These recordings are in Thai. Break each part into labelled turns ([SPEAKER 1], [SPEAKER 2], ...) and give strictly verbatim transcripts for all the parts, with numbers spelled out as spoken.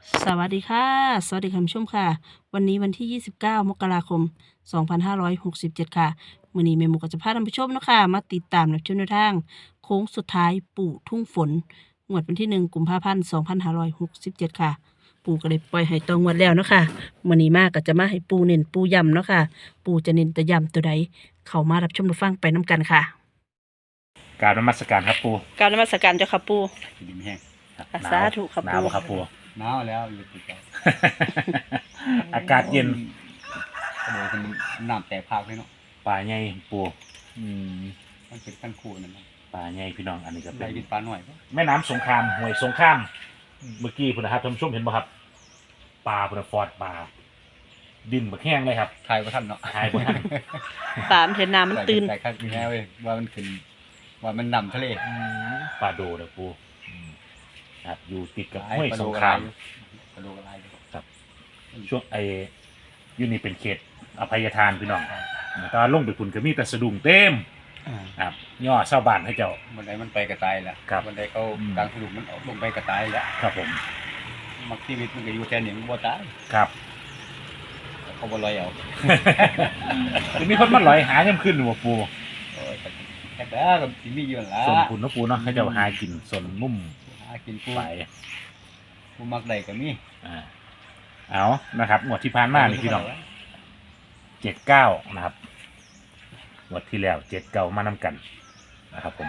[SPEAKER 1] สวัสดีค่ะ สวัสดีคุณผู้ชมค่ะ วันนี้วันที่ ยี่สิบเก้า มกราคม สองพันห้าร้อยหกสิบเจ็ด ค่ะมื้อนี้แม่หมูก็จะพาท่านผู้ชมเนาะค่ะมาติดตามรับชมแนวทางโค้งสุดท้ายปู่ทุ่งฝนงวดวันที่ หนึ่ง กุมภาพันธ์ สองพันห้าร้อยหกสิบเจ็ด ค่ะ ปู่ก็ได้ปล่อยให้ตองวดแล้วเนาะค่ะมื้อนี้มาก็จะมาให้ปู่เน้นปู่ย้ำเนาะค่ะ ปู่จะเน้นแต่ย้ำตัวใดเข้ามารับชมรับฟังไปนํกันค่ะ
[SPEAKER 2] กรารนมัสการครับปู
[SPEAKER 1] กราบนมัสการเจ้าค่ะปู่
[SPEAKER 3] ดินแห้ง
[SPEAKER 1] สาธุครับ
[SPEAKER 2] หนาว
[SPEAKER 1] ปู่
[SPEAKER 2] บ่ครับปู
[SPEAKER 3] หนาวแล้วอยู่ติดกัน
[SPEAKER 2] อากาศเย็น
[SPEAKER 3] กระโดดเป็นน้ำแตกพากเลยเนาะ
[SPEAKER 2] ป่าใหญ่ปูอืม
[SPEAKER 3] มันเป็นขั้นคู่นั่นนะ
[SPEAKER 2] ป่าใหญ่พี่น้องอันนี้ก็
[SPEAKER 3] ไร
[SPEAKER 2] เป็น
[SPEAKER 3] กินปลาหน่อยปะ
[SPEAKER 2] แม่น้ำสงครามห้วยสงครามเมื่อกี้พุ่นนะครับท่านผู้ชมเห็นบ่ครับปลาพุ่นนะฟอดปลาดินบักแห้งเลยครับ
[SPEAKER 3] ทายว่าท่านเนาะ
[SPEAKER 2] ทายบ่ทัน
[SPEAKER 1] ปามเห็นน้ำมันตื่น
[SPEAKER 3] แต่ข้างมีแน่เว้ยว่ามันขึ้นว่ามันนำทะเล
[SPEAKER 2] อืมปลาโดเด้อปูอืมครับอยู่ติดกับ
[SPEAKER 3] หลาย
[SPEAKER 2] ห้วย
[SPEAKER 3] ปลา
[SPEAKER 2] ส
[SPEAKER 3] โด
[SPEAKER 2] ง
[SPEAKER 3] ก
[SPEAKER 2] ค
[SPEAKER 3] ระ
[SPEAKER 2] รา
[SPEAKER 3] ไร
[SPEAKER 2] ม
[SPEAKER 3] ปลาโดกระไร
[SPEAKER 2] ครับช่วงไอ้อยูนี่เป็นเขตอภัยทานพี่น้องตอนลงไปพุ่นก็มีแต่สะดุ้งเต็มครับย่อชาวบ้านให้เจ้า
[SPEAKER 3] บันไดมันไปกระต่ายแล้ว
[SPEAKER 2] ครับ
[SPEAKER 3] บันไดเขา
[SPEAKER 2] อืม
[SPEAKER 3] กลางสลุมมันออกลงไปกระต่ายแล้ว
[SPEAKER 2] ครับผม
[SPEAKER 3] มักชีวิตมันก็อยู่แค่นี้มันบ่ตาย
[SPEAKER 2] ครับ
[SPEAKER 3] เขาบ่ลอยเอา
[SPEAKER 2] จะมีคนมาลอยหาย่ำขึ้นหัวปู
[SPEAKER 3] โอ้ยแค่แล้วก็สิมีอยู่นั่นล่ะ
[SPEAKER 2] ส่วนคุณเนาะปูเนาะให้เจ้าหากินส่วนมุม
[SPEAKER 3] หากินกู
[SPEAKER 2] ไป
[SPEAKER 3] กูมักได้ก็มี
[SPEAKER 2] อ่าเอานะครับงวดที่ผ่านมานี่พี่น้องเจ็ดเก้านะครับงวดที่แล้วเจ็ดเก้ามานำกันนะครับผม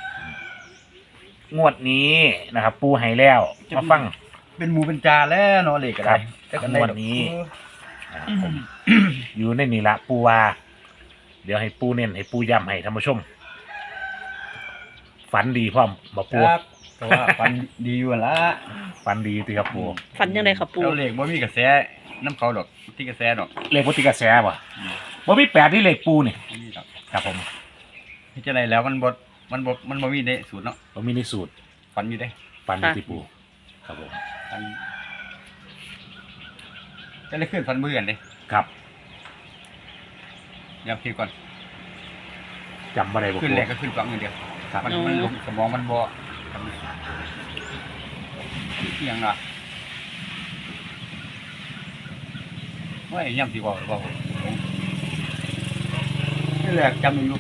[SPEAKER 2] งวดนี้นะครับ ปูให้แล้วมาฟัง
[SPEAKER 3] เป็นหมูเป็นจาแล้วเนาะเลยก็ได้
[SPEAKER 2] ครับงวดนี้ นะครับผม อยู่ในนี่ละปูวาเดี๋ยวให้ปูเน้นให้ปูย้ำให้ท่านผู้ชม ฝันดีพร้อมมาปู
[SPEAKER 3] ครับแต่ว่าฟันดีอยู่นั่นละ
[SPEAKER 2] ฝันดีติครับปู
[SPEAKER 1] ฝันยังไงครับปู่
[SPEAKER 3] เราเหล็กบ่มีกระแสน้ำเขาดอกที่กระแสดอก
[SPEAKER 2] เลขวัติกระแสป่ะว่ามีแปดที่เลขปูนี่
[SPEAKER 3] บ่มีดอก
[SPEAKER 2] ครับผม
[SPEAKER 3] ที่จะไรแล้วมันบ่มันบ่มันบ่มีในสูตรเนาะ
[SPEAKER 2] ว่ามีในสูตร
[SPEAKER 3] ฟันอยู่ได้
[SPEAKER 2] ฝันดีที่ปูครับผม
[SPEAKER 3] ฟันจะได้ขึ้นฟันมือกันเด้
[SPEAKER 2] ครับ
[SPEAKER 3] ย้ำคิดก่อน
[SPEAKER 2] จำอะไรบ่
[SPEAKER 3] ขึ้น
[SPEAKER 2] ปู
[SPEAKER 3] แรกก็ขึ้นฟังอย่างเดียว
[SPEAKER 2] ครับ
[SPEAKER 3] มันมันลงสมองมันบ่ทำเอียงล่ะว่าไอ้ย่ำสิบอกบอกนี่แรกจำอยู่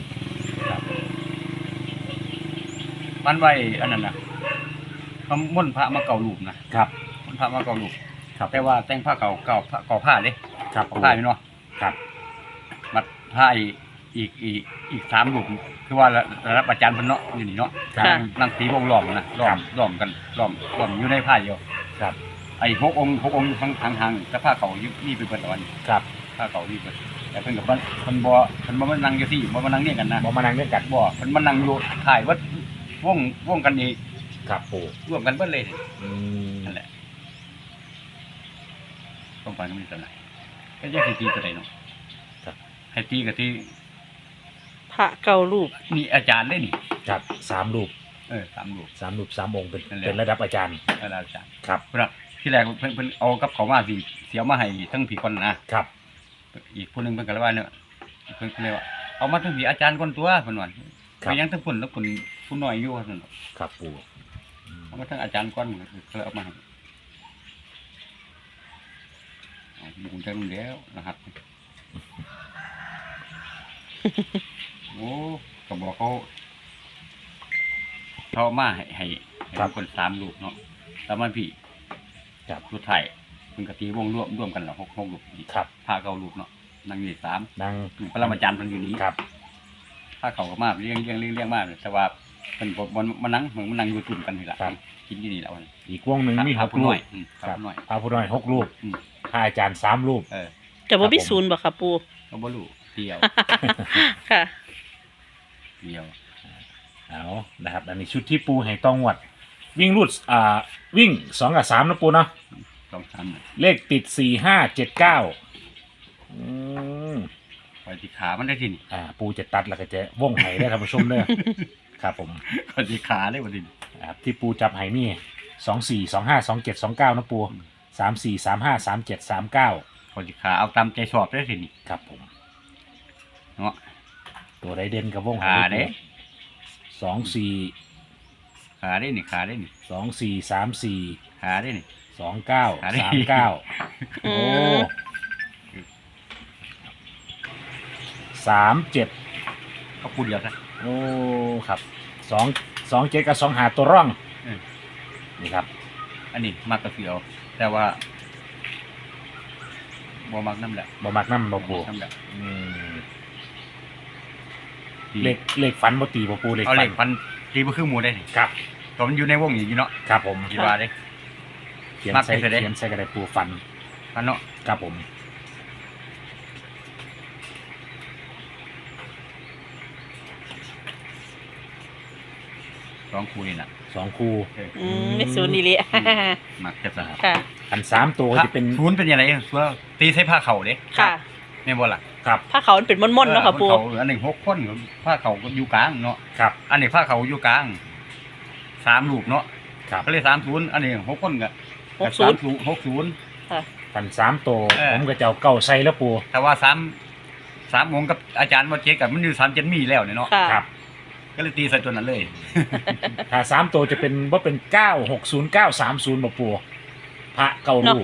[SPEAKER 3] มันไว้อันนั้นนะเขาม่นพระมาเก่าลูกนะครับ ม่นพระมาเก่าลูก
[SPEAKER 2] ครับ
[SPEAKER 3] แต่ว่าแต่งผ้าเก่าเก่าผ้าเก่าผ้าเด้
[SPEAKER 2] ครับ
[SPEAKER 3] เก่า
[SPEAKER 2] ปู
[SPEAKER 3] ผ้าอยู่เนาะ
[SPEAKER 2] ครับ
[SPEAKER 3] มัดผ้าอีกอีกอีกอีกสามลูกคือว่าระดับอาจารย์เพิ่นเนาะอยู่นี่เนาะ
[SPEAKER 2] ครับ
[SPEAKER 1] ค่ะ
[SPEAKER 3] นั่งตีวงล้อมนะล้อมล้อมกันล้อมล้อมอยู่ในผ้าเดียว
[SPEAKER 2] ครับ
[SPEAKER 3] ไอ้หกองค์หกองค์ทั้งทางทางแต่ผ้าเก่าอยู่นี่เป็นเพิ่นตะวัน
[SPEAKER 2] ครับ
[SPEAKER 3] ผ้าเก่านี่เพิ่นแต่เพิ่นกับเพิ่นเพิ่นบ่เพิ่นบ่มานั่งอยู่ที่บ่มานั่งเนี่ยกันนะ
[SPEAKER 2] บ่มานั่งด้วยกัน
[SPEAKER 3] บ่เพิ่นมานั่งอยู่ถ่ายวัดวงวงกันนี่
[SPEAKER 2] ครับปู
[SPEAKER 3] ร่วมกันเบิดเลย
[SPEAKER 2] อืม
[SPEAKER 3] นั่นแหละต้องฟังก็มีตัวไหนก็แยกให้ตีตัวไหนเนาะให้ตีกับที่
[SPEAKER 1] พระเก่ารูป
[SPEAKER 3] นี่อาจารย์ได้นี่
[SPEAKER 2] ครับสามรูป
[SPEAKER 3] เออสามลูก
[SPEAKER 2] สามรูปสามองค์เป็น
[SPEAKER 3] นั่นแหละ
[SPEAKER 2] เป็นระดับอาจารย์
[SPEAKER 3] เอออาจารย์
[SPEAKER 2] ครับ
[SPEAKER 3] เพิ่นว่าที่แรกเพิ่นเพิ่นเอากับเขามาสิเสียมาให้ทั้งผีคนนะครับ อีกผู้หนึงเพิ่นก็เลยว่าเนี่ยเพิ่นก็เลยว่าเอามาทั้งผีอาจารย์คนตัวเพิ่นว่า
[SPEAKER 2] ครั
[SPEAKER 3] ไป
[SPEAKER 2] บ
[SPEAKER 3] ยังทั้งคนแล้วคนผู้น้อยอยู่ว่าซั่นเนาะ
[SPEAKER 2] ครับปูอืม
[SPEAKER 3] เอามาทั้งอาจารย์ก่อนก็เลยเอามาให้เอาบุญจังแล้วนะครับ โอ้ก็บอกเขาเขาเอามาให้ให้ให้ทุกคนสามลูกเนาะแล้วมันพี่
[SPEAKER 2] ครับ
[SPEAKER 3] สุดไทายเป็นกะตีวงร่วมร่วมกันหรอหกหกลูกอีก
[SPEAKER 2] ครับ
[SPEAKER 3] ผ้าเก่าลูกเนาะนั่งนี่สาม
[SPEAKER 2] นั่ง
[SPEAKER 3] พระรามาจารย์เพิ่นอยู่นี้
[SPEAKER 2] ครับ
[SPEAKER 3] ผ้าเขาก็มาเลี้ยงเลี้ยงเลี้ยงเลี้ยงมากเลยแต่ว่าเพิ่นบ่บ่มานั่งเหมือนมานั่งอยู่ตุ่มกันนี่แหละ
[SPEAKER 2] ครับ
[SPEAKER 3] กินอยู่นี่แหละวัน
[SPEAKER 2] อีกวงหนึ่งมีห
[SPEAKER 3] พาก ผู้
[SPEAKER 2] รู
[SPEAKER 3] น้
[SPEAKER 2] ป
[SPEAKER 3] อยอืมพา
[SPEAKER 2] ครับ
[SPEAKER 3] ผู้น้อย
[SPEAKER 2] พระผู้น้อยหกรูป
[SPEAKER 3] อืม
[SPEAKER 2] พระอาจารย์สามรูป
[SPEAKER 3] เออ
[SPEAKER 1] แต่ว่ามี
[SPEAKER 2] ครับผม
[SPEAKER 1] ศูนย์บ่ครับปู่
[SPEAKER 3] ก็บ่รู้เดียว
[SPEAKER 1] ค่ะ
[SPEAKER 3] เดียว
[SPEAKER 2] เอานะครับ อันนี้ชุดที่ปูให้ต้องวัด วิ่งรูดอ่าวิ่งสองกับสามนะปูเนาะ
[SPEAKER 3] สองสาม
[SPEAKER 2] เลขติดสี่ห้าเจ็ดเก้าอืม
[SPEAKER 3] ปล่อยที่ขามันได้ที่นี่
[SPEAKER 2] อ่า ปูจะตัดแล้วก็จะว่องไห้ได้ท่านผู้ชมเด้อ ครับผม
[SPEAKER 3] ปล่อยที่ขาได้บ่ที่นี่
[SPEAKER 2] ครับที่ปูจับไห้มีสองสี่สองห้าสองเจ็ดสองเก้านะปูสามสี่สามห้าสามเจ็ดสามเก้า
[SPEAKER 3] ปล่อยที่ขาเอาตามใจชอบได้ที่นี่
[SPEAKER 2] ครับผม
[SPEAKER 3] เนาะ
[SPEAKER 2] ตัวไดเด่นกับว่องไห้
[SPEAKER 3] ขาเด้
[SPEAKER 2] สองสี่
[SPEAKER 3] ขาได้นี่ขาได้นี่
[SPEAKER 2] สองสี่สามสี่
[SPEAKER 3] ขาได้นี่
[SPEAKER 2] สสองเก้า
[SPEAKER 3] อันนี้
[SPEAKER 2] สามเก้า
[SPEAKER 1] อื
[SPEAKER 2] โอ้
[SPEAKER 1] ม
[SPEAKER 2] สามเจ็ด
[SPEAKER 3] เขาพูดเดียวซะ
[SPEAKER 2] โอ้ครับสองสองเจ็ดกับสองหาตัวร่อง
[SPEAKER 3] อืม
[SPEAKER 2] นี่ครับ
[SPEAKER 3] อันนี้มักกระเสียว แต่ว่าบ่มักน้ำแหละ
[SPEAKER 2] บ่มักน้ำบ่ปู
[SPEAKER 3] น้ำแหละ
[SPEAKER 2] อืมเลขเลขฝันบ่ตีบ่ปูเลข
[SPEAKER 3] เอา
[SPEAKER 2] ฝั
[SPEAKER 3] เล
[SPEAKER 2] น
[SPEAKER 3] ขฟันตีบ่คือหมูได้นี่
[SPEAKER 2] ครับ
[SPEAKER 3] ตัวมันอยู่ในวงอย่างนี้เนาะ
[SPEAKER 2] ครับผม
[SPEAKER 3] คิดว่าเด้
[SPEAKER 2] เขียน
[SPEAKER 3] มัก
[SPEAKER 2] ใส่
[SPEAKER 3] ไปเถอะเด้
[SPEAKER 2] เขียนใส่กระดาษปูฟัน
[SPEAKER 3] ฟันเนาะ
[SPEAKER 2] ครับผม
[SPEAKER 3] สองคู่นี่น่ะ
[SPEAKER 2] สองคู่
[SPEAKER 1] อืมไม่ศูนย์นี่เลย
[SPEAKER 3] มักจะสะ
[SPEAKER 1] ค่ะ
[SPEAKER 2] อันสามตัวจะเป็น
[SPEAKER 3] ศูนย์เป็นยังไงสัวตีใส่ผ้าเข่าเด้
[SPEAKER 1] ค่ะ
[SPEAKER 3] แม่นบ่ล่ะ
[SPEAKER 2] ครับ
[SPEAKER 1] ผ้าเขาวมันเป็นม่อนๆเนาะค่ะปู
[SPEAKER 3] เออเขาอันหนึ่งหกคนผ้าเข่าก็อยู่กลางเนาะ
[SPEAKER 2] ครับ
[SPEAKER 3] อันนี้ผ้าเข่าอยู่กลางสามลูกเนาะ
[SPEAKER 2] ครับ
[SPEAKER 3] ก็เลยสามศูนย์อันนี้หกคนก็
[SPEAKER 1] หกศูนย์
[SPEAKER 3] สามศูนย์หกศูนย์
[SPEAKER 1] ค่ะ
[SPEAKER 2] อันสามตัว
[SPEAKER 3] เออ
[SPEAKER 2] ผมก็จะเอาเก้าใส่แล้วปู
[SPEAKER 3] แต่ว่าสามสามโมงกับอาจารย์ว่าเจ๊กับมันอยู่สามเจ็ดมีแล้วเนี่ยเนาะ
[SPEAKER 1] ค่ะ
[SPEAKER 2] ครับ
[SPEAKER 3] ก็เลยตีใส่ตัวนั้นเลย
[SPEAKER 2] ถ้าสามตัวจะเป็นว่าเป็นเก้าหกศูนย์เก้าสามศูนย์บ่ปูพระเก้ารูป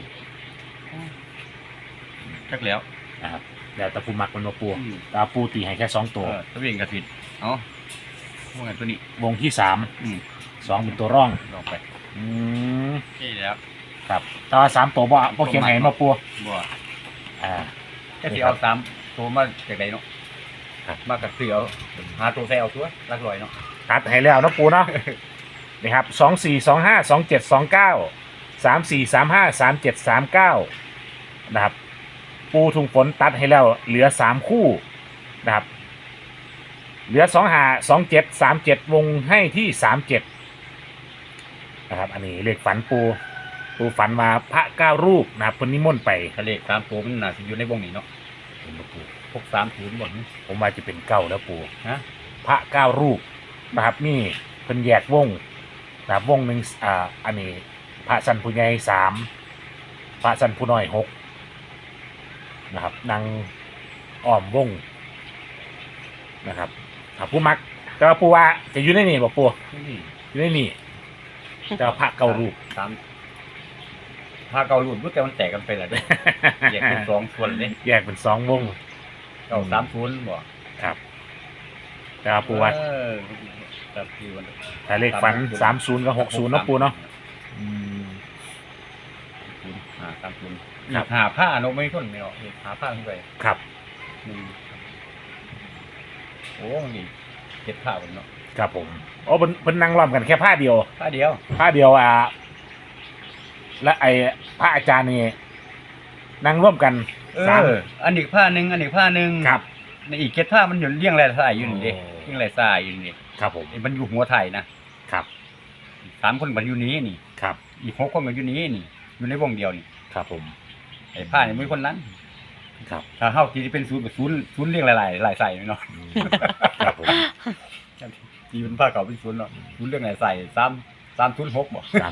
[SPEAKER 3] จักแล้ว
[SPEAKER 2] นะครับแล้วแต่ปูมักมันบ่ปู
[SPEAKER 3] อืม
[SPEAKER 2] ตาปูตีให้แค่สอง
[SPEAKER 3] เอ
[SPEAKER 2] ตัว
[SPEAKER 3] อตัวเองกระสิดเอาว่าไงตัวนี้
[SPEAKER 2] วงที่สาม
[SPEAKER 3] อืม
[SPEAKER 2] สองเป็นตัวร่อง
[SPEAKER 3] ลองไป
[SPEAKER 2] อืม
[SPEAKER 3] นี่แล้ว
[SPEAKER 2] ครับแต่ว่าสามตัวบ่บ่เขียนให้มาปู
[SPEAKER 3] บ่
[SPEAKER 2] อ่า
[SPEAKER 3] แค่ที่เอาสามตัวมาจากไหนเนาะ
[SPEAKER 2] ครับ
[SPEAKER 3] มากับเสือหาตัวใส่เอาตัวรักลอยเนาะ
[SPEAKER 2] ตัดให้แล้วเนาะปูเนาะ นี่ครับสองสี่สองห้าสองเจ็ดสองเก้าสามสี่สามห้าสามเจ็ดสามเก้านะครับ ปูทุงฝนตัดให้แล้วเหลือสามคู่นะครับ เหลือสองหาสองเจ็ดสามเจ็ดวงให้ที่สามเจ็ดนะครับ อันนี้เลขฝันปู ปูฝันมาพระเก้ารูปนะครับเพนนิมนต์ไป
[SPEAKER 3] ทะเลขสามตัวมันน่าจะอยู่ในวงนี้เนาะ
[SPEAKER 2] เห็นบ่ปู
[SPEAKER 3] พวกสามศูนย์บ่น
[SPEAKER 2] ผมว่าจะเป็นเก้าแล้วปู
[SPEAKER 3] ฮะ
[SPEAKER 2] พระเก้ารูปนะครับนี่เพิ่นแยกวงนะครับวงหนึ่งอ่าอันนี้พระสันผู้ใหญ่สามพระสันผู้น้อยหกนะครับนางอ้อมวงนะครับครับผู้มักแต่ว่าปูว่าจะอยู่ในนี่บ่ปู
[SPEAKER 3] นี่
[SPEAKER 2] อยู่ในนี่แต่ว่าพระเก้ารูป
[SPEAKER 3] สามพาเกาหลุดรู้แต่มันแตกกันไปแล้วเด้ แยกเป็นสองส่วนเลย
[SPEAKER 2] แยกเป็นสองวง
[SPEAKER 3] เก้าสามศูนย์บ่
[SPEAKER 2] ครับแต่ว่าปูว่า
[SPEAKER 3] เออครับพี่วัน
[SPEAKER 2] ถ้าเลขฝันสามศูนย์กับหกศูนย์เนาะปูเนาะอืม
[SPEAKER 3] ศูนย์ห้าสามศูนย์
[SPEAKER 2] ครับ
[SPEAKER 3] หาผ้าเนาะไม่ทนไม่เนาะหาผ้าขึ้นไป
[SPEAKER 2] ครับ
[SPEAKER 3] หนึ่งโอ้นี่เจ็ดผ้าบนเนาะ
[SPEAKER 2] ครับผมโอ้เพิ่นเพิ่นนั่งล้อมกันแค่ผ้าเดียว
[SPEAKER 3] ผ้าเดียว
[SPEAKER 2] ผ้าเดียวอ่ะและไอ้พระอาจารย์นี่นั่งร่วมกัน
[SPEAKER 3] เอ
[SPEAKER 2] สาม
[SPEAKER 3] ออันอีกผ้าหนึ่งอันอีกผ้าหนึ่ง
[SPEAKER 2] ครับ
[SPEAKER 3] ในอีกเจ็ดผ้ามันอยู่เรียงรายสายอยู่นี่เด้
[SPEAKER 2] โอ้
[SPEAKER 3] เรียงรายสายอยู่นี่
[SPEAKER 2] ครับผม
[SPEAKER 3] มันอยู่หัวไทยนะครับ สามคนมันอยู่นี้นี่
[SPEAKER 2] ครับ
[SPEAKER 3] อีกหกคนมันอยู่นี้นี่ อยู่ในวงเดียวนี่
[SPEAKER 2] ครับผม
[SPEAKER 3] ไอ้ผ้านี่มีคนนั้น
[SPEAKER 2] ครับ
[SPEAKER 3] ถ้าเฮาที่เป็นศูนย์แบบศูนย์ศูนย์เรียงหลายๆหลายใส่เนาะ
[SPEAKER 2] อืมครับผม
[SPEAKER 3] ที่เป็นผ้าเก่าเป็นศูนย์เนาะศูนย์เรียงหลายใส่สามสามศูนย์หกบ่
[SPEAKER 2] ครับ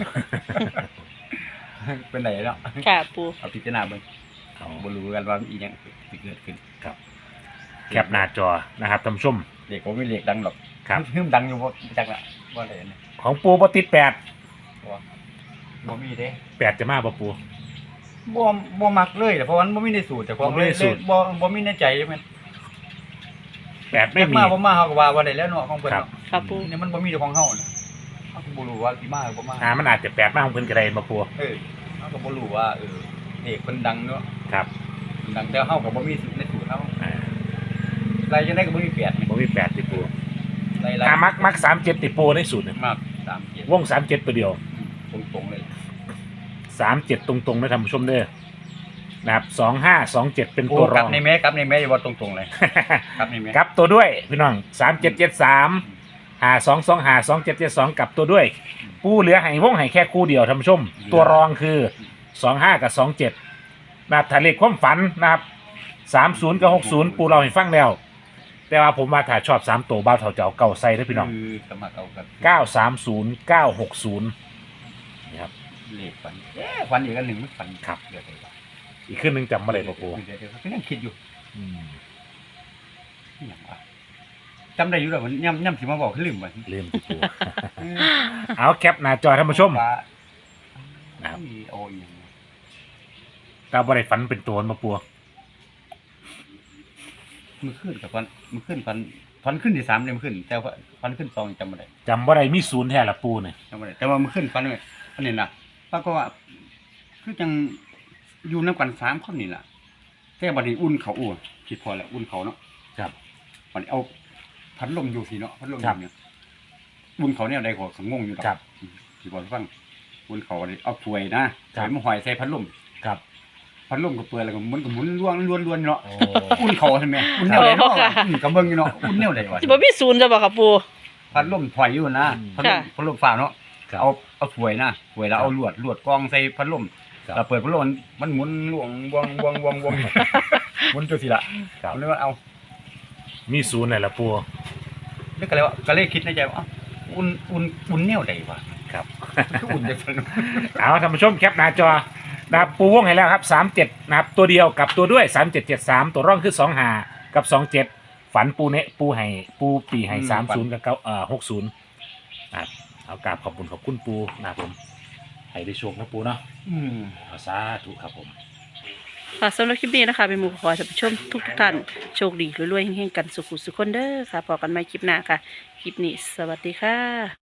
[SPEAKER 3] เป็นไหนเนาะ
[SPEAKER 1] ค่ะปู
[SPEAKER 3] เอาพิจารณาเบิ่ง
[SPEAKER 2] เอา
[SPEAKER 3] บ่รู้กันว่าอีหยังสิเกิดขึ้น
[SPEAKER 2] ครับแคปหน้าจอนะครับท่านผู้ชม
[SPEAKER 3] เด็กผมไม่เรียกดังหรอก
[SPEAKER 2] ครับ
[SPEAKER 3] ฮึ่มดังอยู่บ่จักละบ่ได้เนี่ย
[SPEAKER 2] ของปูปติดแปด
[SPEAKER 3] บ่บ่มีเด้
[SPEAKER 2] แปดจะมาบ่ปู
[SPEAKER 3] บ่บ่มักเลยแต่เพราะว่ามันบ่มีในสูตรแต่ของ
[SPEAKER 2] บ่มีในสูตร
[SPEAKER 3] บ่บ่มีในใจใช่มั้ย
[SPEAKER 2] แปดไม่มี
[SPEAKER 3] มาบ่มาเฮาก็ว่าบ่ได้แล้วเนาะของเพิ่น
[SPEAKER 2] ครับ
[SPEAKER 3] เนาะ
[SPEAKER 1] ค่ะปู
[SPEAKER 3] นี่มันบ่มีของเฮาน่ะเฮาก็บ่รู้ว่าสิมาหรือบ่มา
[SPEAKER 2] อ่ามันอาจจะแปดมากของเพิ่นก็ได้มาปู
[SPEAKER 3] เออเฮาก็บ่รู้ว่าเออเด็กเพิ่นดังเนาะ
[SPEAKER 2] ครับ
[SPEAKER 3] เพิ่นดังแต่เฮาก็บ่มีในสูตรเฮา
[SPEAKER 2] อ่า
[SPEAKER 3] ไรจังได๋ก็บ่มีแปดนี่
[SPEAKER 2] บ่มีแปดติปู
[SPEAKER 3] ไร
[SPEAKER 2] ถ้ามักมักสามเจ็ดติปูในสูตรเนี่ย
[SPEAKER 3] มากสามเจ็ด
[SPEAKER 2] วงสามเจ็ดตัวเดียว
[SPEAKER 3] ตรงๆเลย
[SPEAKER 2] สามเจ็ดตรงๆนะท่านผู้ชมเด้อนะครับสองห้าสองเจ็ดเป็น
[SPEAKER 3] โอ้
[SPEAKER 2] ตัวร
[SPEAKER 3] กลั
[SPEAKER 2] อบ ง
[SPEAKER 3] ในแม่กลับในแม่อย่าบ่ตรงๆเลยกลับในแม่
[SPEAKER 2] กลับตัวด้วยพี่น้องสามเจ็ดเจ็ดสามหาสองสองหาสองเจ็ดเจ็ดสองกลับตัวด้วย ปูเหลือให้วงให้แค่คู่เดียวท่านผู้ชม ตัวรองคือสองห้ากับสองเจ็ดนะครับถ้าเลขความฝันนะครับสามศูนย์กับหกศูนย์ปูเราให้ฟังแล้ว แต่ว่าผมว่าถ้าชอบสามตัวบ้าวเถาเจ้าเก่าใส่ได้อพี่น้อง
[SPEAKER 3] คือสมัครเอากับ
[SPEAKER 2] เก้าสามศูนย์เก้าหกศูนย์นี่ครับ
[SPEAKER 3] เลขฝันเอ๊ะฝันอีกอันหนึ่งมันฝัน
[SPEAKER 2] ครับ
[SPEAKER 3] เดี๋ยวไปว่า
[SPEAKER 2] อีกขึ้นหนึ่งจำมาเลยปะปู
[SPEAKER 3] เดี๋ยวเดี๋ยวก็ยังคิดอยู่
[SPEAKER 2] อืม
[SPEAKER 3] อหย่างวะจำได้อยู่แล้วมันย่ำย่ำสิมาบอกขึ้นลืมไป
[SPEAKER 2] ลืมติปู เอาแคปหน้าจอท่านผู้ชมนะครับ
[SPEAKER 3] โอ้ยอย่าง
[SPEAKER 2] ตาบ่ได้ฝันเป็นตัวมาปัว
[SPEAKER 3] มือขึ้นกับฟันมือขึ้นฟันฟันขึ้นที่สามเนี่ยมือขึ้น แต่ว่าฟันขึ้นสองจำไม่ได้
[SPEAKER 2] จำบ่ได้มีศูนย์แท้ละปูเนี่ย
[SPEAKER 3] จำไม่ได้แต่ว่ามือขึ้นฟันเลยฟันนี่นะปรากฏว่าคือจังอยู่น้ำกันสามคนนี่แหละแต่บัดนี้อุ่นเขาอุ่นคิดพอแล้วอุ่นเขาเนาะ
[SPEAKER 2] ครับ
[SPEAKER 3] บัดนี้เอาพัดลมอยู่สิเนาะพัดลมอ
[SPEAKER 2] ครับ
[SPEAKER 3] ยู่เนี่ยอุ่นเขาเนี่ยใดกว่าขงงอยู่ดอก
[SPEAKER 2] ครับ
[SPEAKER 3] ที่บอกให้ฟังอุ่นเขาอันนี้เอาถ้วยนะครับ ถ้วยมาหอยใส่พัดลม
[SPEAKER 2] ครับ
[SPEAKER 3] พัดลมก็เปิดแล้วก็มันก็หมุนล้วนล้วนล้วนเนาะ
[SPEAKER 2] โอ้
[SPEAKER 3] อุ่นเขาใช่ไหมอุ่นแนวใดเนาะอุ่นกับเบิ่งอยู่เนาะอุ่นแนวใดวะ
[SPEAKER 1] จะบ่มีศูนย์จะบ่ค่ะปู
[SPEAKER 3] พัดลมถอยอยู่นะพัดลม
[SPEAKER 1] ค่ะ
[SPEAKER 3] พัดลมฟ้าเนาะ
[SPEAKER 2] ครับ
[SPEAKER 3] เอาเอาถ้วยนะถ้วยแล้วเอาลวดลวดกองใส่พัดลม
[SPEAKER 2] ครับ
[SPEAKER 3] เราเปิดพัดลมมันหมุนลวงวงวงวงวงหมุนจังซี่ล่ะ
[SPEAKER 2] ครับ
[SPEAKER 3] มันเลยว่าเอา
[SPEAKER 2] มีศูนย์เลยละปู
[SPEAKER 3] แล้วก็เลยว่าก็เลยคิดในใจว่าเอ้าอุ่นอุ่นอุ่นแนวใดวะ
[SPEAKER 2] ครับ
[SPEAKER 3] คืออุ่นจังซั่น
[SPEAKER 2] เอาท่านผู้ชมแคปหน้าจอนะครับปูวงให้แล้วครับสามเจ็ดนะครับตัวเดียวกับตัวด้วยสามเจ็ดเจ็ดสามตัวร่องคือสองหากับสองเจ็ดฝันปูเนะปูให้ปูปีให้สามศูนย์กับเก้าเอ่อหกศูนย์นะครับเอากราบขอบคุณขอบคุณปูนะครับผมให้ได้โชคนะปูเนาะ
[SPEAKER 3] อืม
[SPEAKER 2] เอาสาธุครับผม
[SPEAKER 1] ค่ะสำหรับคลิปนี้นะคะเป็นหมู่ขอให้ท่านผู้ชมทุกท่านโชคดีรวยๆเฮงๆกันสุขุสุขคนเด้อค่ะพอกันใหม่คลิปหน้าค่ะ คลิปนี้สวัสดีค่ะ